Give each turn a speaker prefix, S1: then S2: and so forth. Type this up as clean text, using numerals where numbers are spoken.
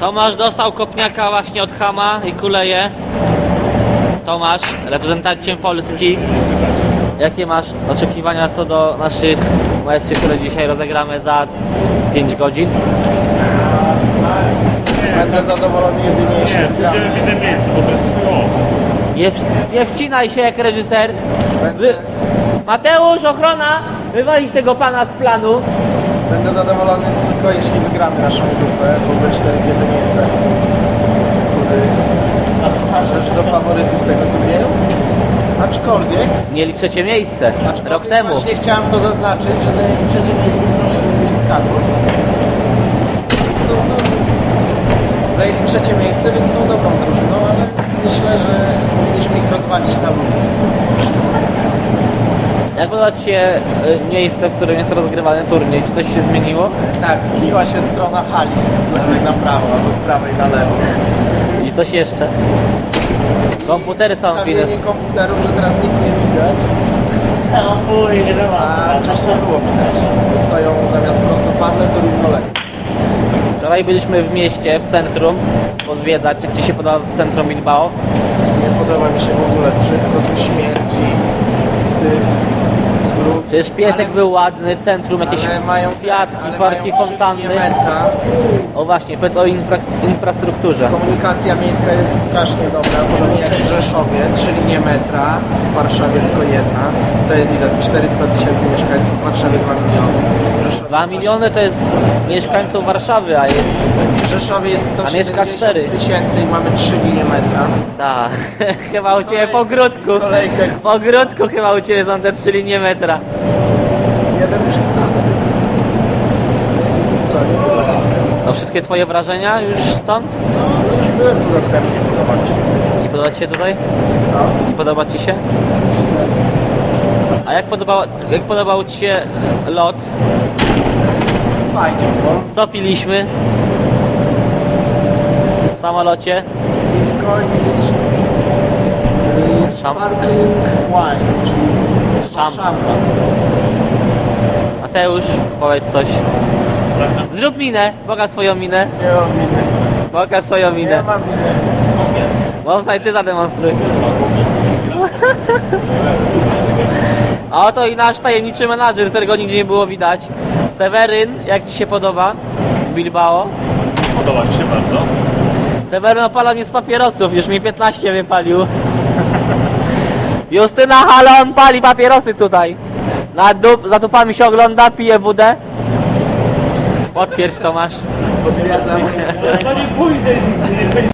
S1: Tomasz dostał kopniaka właśnie od Hama i kuleje. Tomasz, reprezentantem Polski. Jakie masz oczekiwania co do naszych meczów, które dzisiaj rozegramy za 5 godzin?
S2: Będę zadowolony jedynie jeśli wygramy.
S3: Idziemy w inne miejsce, bo to jest chujowo.
S1: Nie wcinaj się jak reżyser. Mateusz, ochrona! Wywalić tego pana z planu.
S2: Będę zadowolony tylko jeśli wygramy naszą grupę, bo we 4 w jednym miejsce. Należy do faworytów tego turnieju. Aczkolwiek
S1: Mieli trzecie miejsce rok temu.
S2: właśnie chciałem to zaznaczyć, że zajęli trzecie miejsce niż skadło. Zajęli trzecie miejsce, więc są dobrą drużyną, ale myślę, że powinniśmy ich rozwalić na ludzie.
S1: Jak podoba Ci się miejsce, w którym jest rozgrywany turniej? Czy coś się zmieniło?
S2: Tak, zmieniła się strona hali z lewej na prawo, albo z prawej na lewo.
S1: I coś jeszcze? Komputery są widać.
S2: Stawienie komputerów, że teraz nic nie widać, a wcześniej było widać. Stoją zamiast prostopadle, to równolegle.
S1: Wczoraj byliśmy w mieście, w centrum, pozwiedzać. Jak Ci się podoba centrum Bilbao?
S2: Nie podoba mi się w ogóle brzydko, tu śmierdzi, syf, smród.
S1: Przecież piesek był ładny, centrum, jakieś
S2: Ale mają
S1: kwiatki,
S2: ale
S1: parki,
S2: mają 3
S1: fontanny.
S2: linie metra.
S1: O właśnie, powiedz o infrastrukturze.
S2: Komunikacja miejska jest strasznie dobra, podobnie jak w Rzeszowie, 3 linie metra, w Warszawie tylko jedna. To jest ile? Z 400 000 mieszkańców, w Warszawie 2 miliony. W Rzeszowie
S1: 2 miliony to jest mieszkańców Warszawy, a jest...
S2: W Rzeszowie jest
S1: A mieszka 4.
S2: 170 000 i mamy 3 linie metra.
S1: Tak, chyba u Ciebie po grudku.
S2: Kolejkę.
S1: Po grudku chyba u Ciebie są te 3 linie metra.
S2: Jeden już jest znany. Co, nie tyle.
S1: No wszystkie Twoje wrażenia już stąd?
S2: No już byłem tu rok temu, nie podoba mi się.
S1: Nie podoba Ci się tutaj?
S2: Co?
S1: Nie podoba Ci się? A jak podobał Ci się lot?
S2: Fajnie było.
S1: Co piliśmy? W samolocie?
S2: Piwko i sparkling wine, czyli
S1: Szampan. Mateusz, powiedz coś. Zrób minę, pokaż swoją minę.
S2: Nie mam winy.
S1: Pokaż swoją
S2: Nie
S1: minę.
S2: mam winy.
S1: Bonsai, Ty zademonstruj. A oto i nasz tajemniczy menadżer, którego nigdzie nie było widać. Seweryn, jak Ci się podoba? Bilbao.
S3: Podoba mi się bardzo.
S1: Seweryn opala mnie z papierosów, już mi 15 wypalił. Justyna, halo, on pali papierosy tutaj. Za dupami się ogląda, pije wódę. Potwierdź, Tomasz.
S2: Potwierdzam.
S3: To nie pójdzie, nie będzie